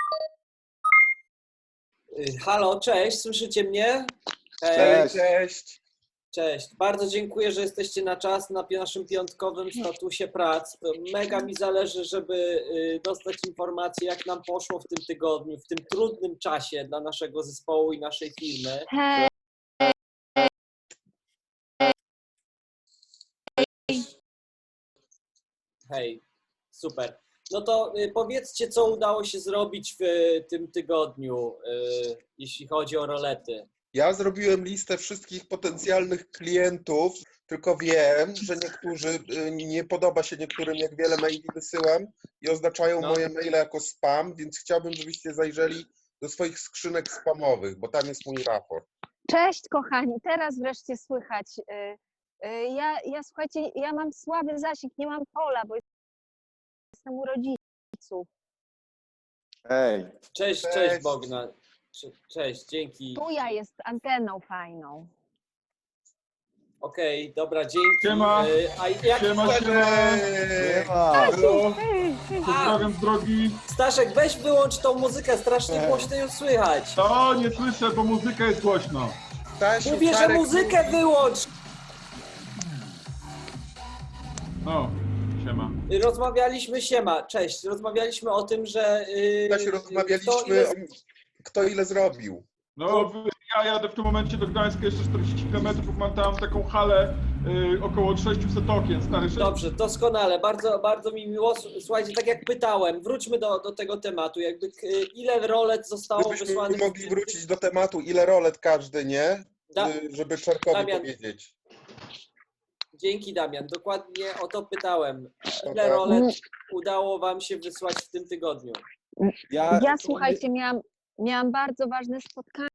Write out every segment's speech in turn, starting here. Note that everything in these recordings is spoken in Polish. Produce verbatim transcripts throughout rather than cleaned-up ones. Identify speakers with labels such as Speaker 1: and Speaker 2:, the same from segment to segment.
Speaker 1: Y, Halo, cześć, słyszycie mnie?
Speaker 2: Cześć, cześć.
Speaker 1: Cześć, bardzo dziękuję, że jesteście na czas na naszym piątkowym statusie prac. Mega mi zależy, żeby y, dostać informacje, jak nam poszło w tym tygodniu, w tym trudnym czasie dla naszego zespołu i naszej firmy.
Speaker 3: Hej,
Speaker 1: Hej, super. No to y, powiedzcie, co udało się zrobić w y, tym tygodniu, y, jeśli chodzi o rolety.
Speaker 2: Ja zrobiłem listę wszystkich potencjalnych klientów, tylko wiem, że niektórzy, y, nie podoba się niektórym, jak wiele maili wysyłam i oznaczają
Speaker 1: No.
Speaker 2: moje maile jako spam, więc chciałbym, żebyście zajrzeli do swoich skrzynek spamowych, bo tam jest mój raport.
Speaker 3: cześć kochani, teraz wreszcie słychać. Y, y, Ja, ja słuchajcie, ja mam słaby zasięg, nie mam pola, bo jestem u rodziców.
Speaker 4: Hej,
Speaker 1: Cześć, cześć,
Speaker 2: Cześć.
Speaker 1: Bogna. Cze- Cześć, dzięki.
Speaker 3: Tuja jest anteną fajną.
Speaker 1: Okej, dobra, dzięki.
Speaker 5: Siema.
Speaker 1: Y, A jak
Speaker 5: Siema, siema.
Speaker 2: Eee,
Speaker 5: Halo,
Speaker 3: Hej, hej.
Speaker 5: pozdrawiam z drogi.
Speaker 1: Staszek, weź wyłącz tą muzykę, strasznie głośno ją słychać.
Speaker 5: To nie słyszę, bo muzyka jest głośno.
Speaker 2: Stasiu,
Speaker 1: Mówię, że
Speaker 2: Czarek
Speaker 1: muzykę
Speaker 2: mówi-
Speaker 1: wyłącz.
Speaker 5: No, siema.
Speaker 1: Y, Rozmawialiśmy, siema, cześć, rozmawialiśmy o tym, że... y,
Speaker 2: Stasiu,
Speaker 1: kto
Speaker 2: rozmawialiśmy,
Speaker 1: ile-
Speaker 2: o- kto ile zrobił.
Speaker 5: No, w- ja jadę w tym momencie do Gdańska jeszcze czterdzieści kilometrów, mam tam taką halę y, około sześćset okien, stary sześć...
Speaker 1: Dobrze, doskonale, bardzo, bardzo mi miło. Słuchajcie, tak jak pytałem, wróćmy do, do tego tematu. Jakby k- ile rolet zostało
Speaker 2: Gdybyśmy
Speaker 1: wysłanych...
Speaker 2: mogli wrócić do tematu, ile rolet każdy, nie?
Speaker 1: Da-
Speaker 2: Y, Żeby Czarkowi
Speaker 1: Damian.
Speaker 2: powiedzieć.
Speaker 1: Dzięki, Damian, dokładnie o to pytałem. Ile
Speaker 2: Dobra.
Speaker 1: rolet udało wam się wysłać w tym tygodniu?
Speaker 4: ja,
Speaker 3: Ja słuchajcie, miałam, miałam bardzo ważne spotkanie.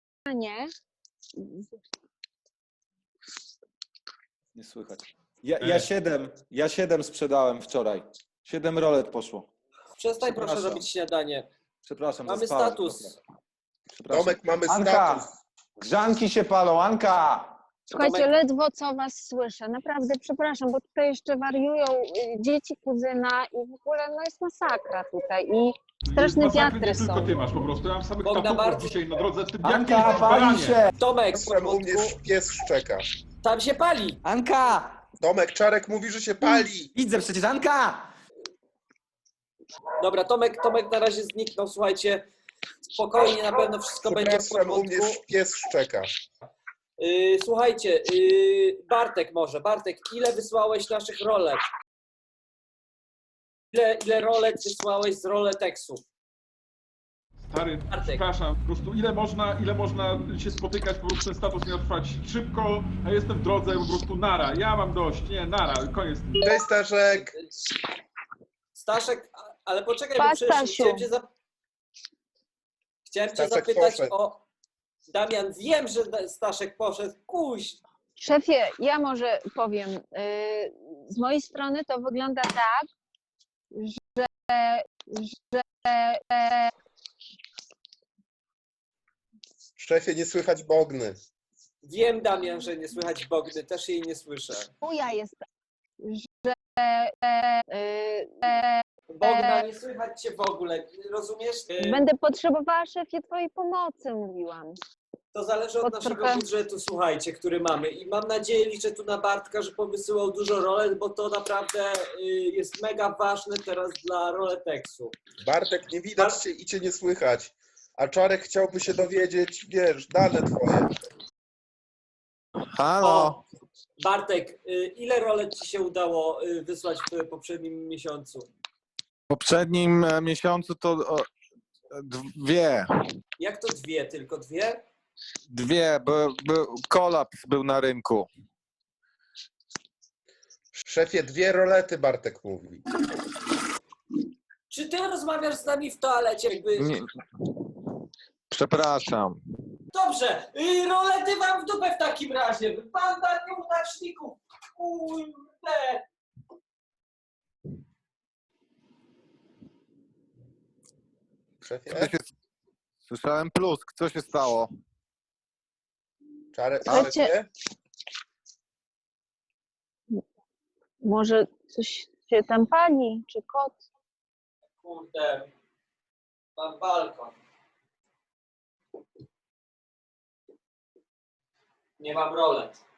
Speaker 4: nie słychać. Ja, ja siedem, ja siedem sprzedałem wczoraj. Siedem rolet poszło.
Speaker 1: Przestań proszę
Speaker 4: Przepraszam.
Speaker 1: robić śniadanie.
Speaker 4: Przepraszam,
Speaker 1: Mamy
Speaker 4: zaspałem
Speaker 1: status.
Speaker 4: trochę. Przepraszam.
Speaker 2: Tomek, mamy
Speaker 6: Anka,
Speaker 2: status.
Speaker 6: grzanki się palą, Anka!
Speaker 3: Słuchajcie,
Speaker 1: Tomek.
Speaker 3: ledwo co was słyszę. Naprawdę przepraszam, bo tutaj jeszcze wariują y, dzieci kuzyna i w ogóle no jest masakra tutaj i straszne
Speaker 5: Masakry
Speaker 3: wiatry
Speaker 5: nie tylko
Speaker 3: są.
Speaker 5: ty masz po prostu, ja mam samych
Speaker 1: Bogdan,
Speaker 5: tatuków
Speaker 1: bardzo-
Speaker 5: dzisiaj na drodze. Ty,
Speaker 6: Anka,
Speaker 5: jakie
Speaker 6: pali
Speaker 5: baranie?
Speaker 6: się!
Speaker 1: Tomek,
Speaker 2: Proszę, u mnie
Speaker 1: porządku.
Speaker 2: pies szczeka.
Speaker 1: Tam się pali.
Speaker 6: Anka!
Speaker 2: Tomek, Czarek mówi, że się pali.
Speaker 6: Widzę przecież, Anka!
Speaker 1: Dobra, Tomek, Tomek na razie zniknął, słuchajcie. Spokojnie, na pewno wszystko będzie w
Speaker 2: Przepraszam, u mnie
Speaker 1: porządku.
Speaker 2: pies szczeka.
Speaker 1: Yy, słuchajcie, yy, Bartek może, Bartek, ile wysłałeś naszych rolet? Ile, ile rolet wysłałeś z roletexu?
Speaker 5: Stary,
Speaker 1: Bartek.
Speaker 5: przepraszam, po prostu ile można, ile można się spotykać, po prostu ten status miał trwać szybko, a jestem w drodze, po prostu nara. Ja mam dość, nie, nara, koniec. z tym.
Speaker 2: Cześć, Staszek.
Speaker 1: Staszek, a- ale poczekaj, bo
Speaker 3: Pa,
Speaker 1: przecież
Speaker 3: Stasiu.
Speaker 1: chciałem cię, zap... chciałem cię
Speaker 2: Staszek
Speaker 1: zapytać
Speaker 2: poszedł.
Speaker 1: o... Damian, wiem, że Da- Staszek poszedł, kuś.
Speaker 3: Szefie, ja może powiem, y, z mojej strony to wygląda tak, że, że
Speaker 2: Szefie, nie słychać Bogny.
Speaker 1: Wiem, Damian, że nie słychać Bogny, też jej nie słyszę.
Speaker 3: tuja jest, że y,
Speaker 1: Bogna, nie słychać cię w ogóle, rozumiesz? Yy,
Speaker 3: będę potrzebowała, szefie, twojej pomocy, mówiłam.
Speaker 1: To zależy od
Speaker 3: Pod
Speaker 1: naszego
Speaker 3: trochę-
Speaker 1: budżetu, słuchajcie, który mamy. I mam nadzieję, liczę tu na Bartka, że powysyłał dużo rolet, bo to naprawdę y, jest mega ważne teraz dla roletexu.
Speaker 2: Bartek, nie widać cię i cię nie słychać. A Czarek chciałby się dowiedzieć, wiesz, dane twoje.
Speaker 4: Halo.
Speaker 1: O, Bartek, y, ile rolet ci się udało y, wysłać w poprzednim miesiącu?
Speaker 4: W poprzednim e, miesiącu to o, dwie.
Speaker 1: Jak to dwie? Tylko dwie?
Speaker 4: Dwie, bo, bo kolaps był na rynku.
Speaker 2: Szefie, dwie rolety, Bartek mówi.
Speaker 1: Czy ty rozmawiasz z nami w toalecie? Jakby...
Speaker 4: Nie. Przepraszam.
Speaker 1: Dobrze, y, rolety wam w dupę w takim razie. Banda nieudaczników. Kurde.
Speaker 2: Szefie,
Speaker 4: Co się, słyszałem plusk. Co się stało?
Speaker 2: Czarek,
Speaker 3: Słuchajcie-
Speaker 2: szefie?
Speaker 3: Może coś się tam pali, czy kot?
Speaker 1: Kurde. Mam balkon. Nie mam rolet.